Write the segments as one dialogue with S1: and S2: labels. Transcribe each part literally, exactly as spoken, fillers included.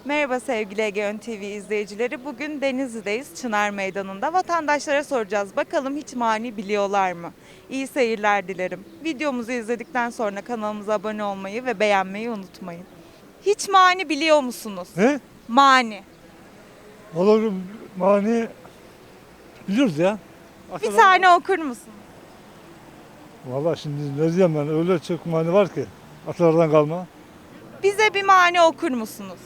S1: Merhaba sevgili Egeon T V izleyicileri. Bugün Denizli'deyiz, Çınar Meydanı'nda. Vatandaşlara soracağız. Bakalım hiç mani biliyorlar mı? İyi seyirler dilerim. Videomuzu izledikten sonra kanalımıza abone olmayı ve beğenmeyi unutmayın. Hiç mani biliyor musunuz?
S2: He?
S1: Mani.
S2: Olur mani biliyoruz ya.
S1: Bir tane okur musun?
S2: Valla şimdi ne diyeyim ben, öyle çok mani var ki atalardan kalma.
S1: Bize bir mani okur musunuz?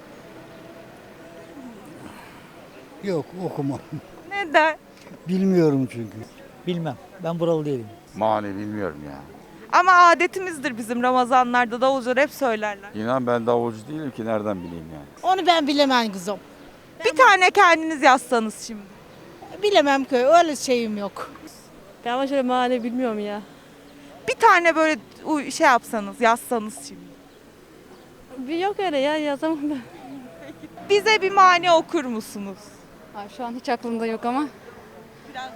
S3: Yok okumam.
S1: Neden?
S3: Bilmiyorum çünkü.
S4: Bilmem. Ben buralı değilim.
S5: Mani bilmiyorum ya.
S1: Ama adetimizdir bizim Ramazanlarda davulcular hep söylerler.
S5: İnan ben davulcu değilim ki nereden bileyim yani.
S6: Onu ben bilemem kızım.
S1: Bir tane kendiniz yazsanız şimdi.
S6: Bilemem ki öyle şeyim yok.
S7: Ben ama şöyle mani bilmiyorum ya.
S1: Bir tane böyle uy- şey yapsanız, yazsanız şimdi.
S7: Bir yok öyle ya yazamam ben.
S1: Bize bir mani okur musunuz?
S7: Ay, şu an hiç aklımda yok ama.
S1: Biraz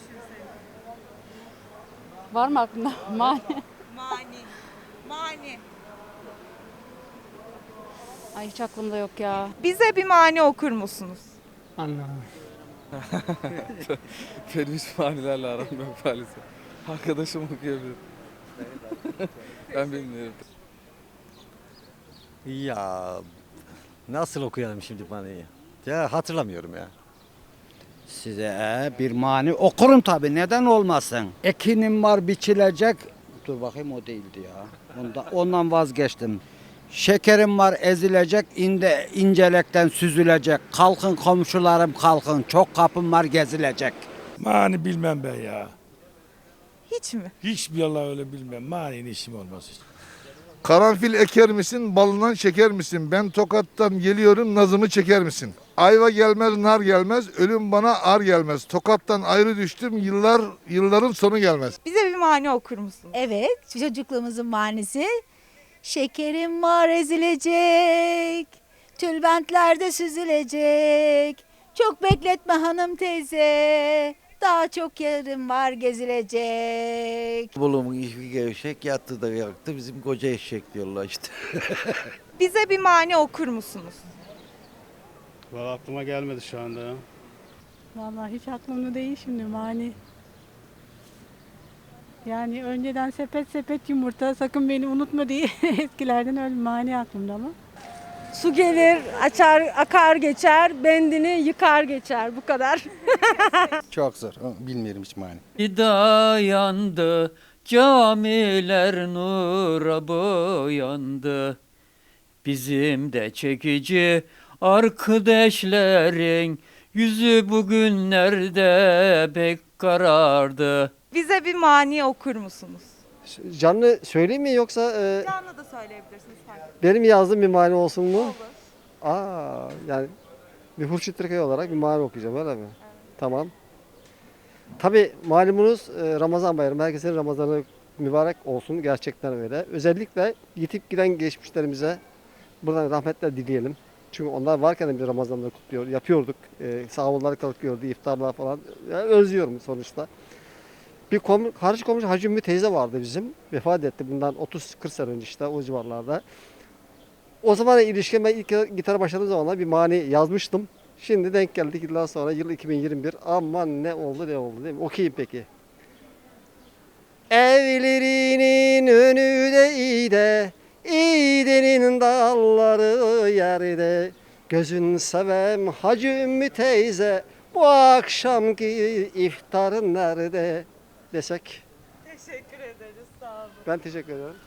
S7: Var mı aklında? Mani.
S1: Mani. Mani.
S7: Ay hiç aklımda yok ya.
S1: Bize bir mani okur musunuz?
S3: Anladım.
S8: Benim hiç manilerle aram yok maalesef. Arkadaşım okuyabilir. Ben bilmiyorum.
S9: Ya nasıl okuyalım şimdi maniyi? Ya hatırlamıyorum ya.
S3: Size e, bir mani okurum tabii, neden olmasın? Ekinim var biçilecek. Dur bakayım, o değildi ya. Ondan, ondan vazgeçtim. Şekerim var ezilecek, inde, incelekten süzülecek. Kalkın komşularım kalkın, çok kapım var gezilecek.
S2: Mani bilmem ben ya.
S1: Hiç mi?
S2: Hiçbir Allah öyle bilmem. Mani'nin işim olmaz hiç.
S10: Karanfil eker misin, balından şeker misin? Ben Tokat'tan geliyorum, nazımı çeker misin? Ayva gelmez, nar gelmez, ölüm bana ar gelmez. Tokat'tan ayrı düştüm, yıllar yılların sonu gelmez.
S1: Bize bir mani okur musunuz?
S6: Evet, çocukluğumuzun manisi. Şekerim var ezilecek, tülbentlerde süzülecek. Çok bekletme hanım teyze, daha çok yerim var gezilecek.
S9: Bolu'nun işi gevşek yattı da yaktı bizim koca eşek diyorlar işte.
S1: Bize bir mani okur musunuz?
S11: Valla aklıma gelmedi şu anda ya.
S7: Vallahi hiç aklımda değil şimdi mani. Yani önceden sepet sepet yumurta sakın beni unutma diye eskilerden öyle mani aklımda ama. Su gelir, açar, akar geçer, bendini yıkar geçer bu kadar.
S3: Çok zor, bilmiyorum hiç mani.
S4: Dayandı, camiler nura boyandı. Bizim de çekici arkadaşların yüzü bugünlerde pek karardı.
S1: Bize bir mani okur musunuz?
S3: Canlı söyleyeyim mi yoksa e,
S1: Canlı da söyleyebilirsiniz. fark etmez.
S3: benim yazdığım bir mani olsun mu?
S1: Olur.
S3: Aa, yani bir Hurşit Türkay olarak bir mani okuyacağım, öyle mi? Tamam. Tabii malumunuz e, Ramazan bayramı. Herkesin Ramazanı mübarek olsun, gerçekten öyle. Özellikle yitip giden geçmişlerimize buradan rahmetler dileyelim. Çünkü onlar varken de bir Ramazanları kutluyor, yapıyorduk. E, sahurlar kalkıyordu, iftarlar falan. Yani özlüyorum sonuçta. Bir kom karşı komşu Hacı Ümmü teyze vardı bizim. Vefat etti bundan otuz kırk sene önce, işte o civarlarda. O zaman ilişkin, ben ilk gitara başladığım zamanlar bir mani yazmıştım. Şimdi denk geldik yıllar sonra, yıl iki bin yirmi bir. Aman ne oldu ne oldu değil mi? Okuyayım peki. Evlerinin önü de iyi de, İğdenin dalları yerde. Gözün sevem Hacı Ümmü teyze, bu akşamki iftarın nerede desek.
S1: Teşekkür ederiz. Sağ olun.
S3: Ben teşekkür ederim.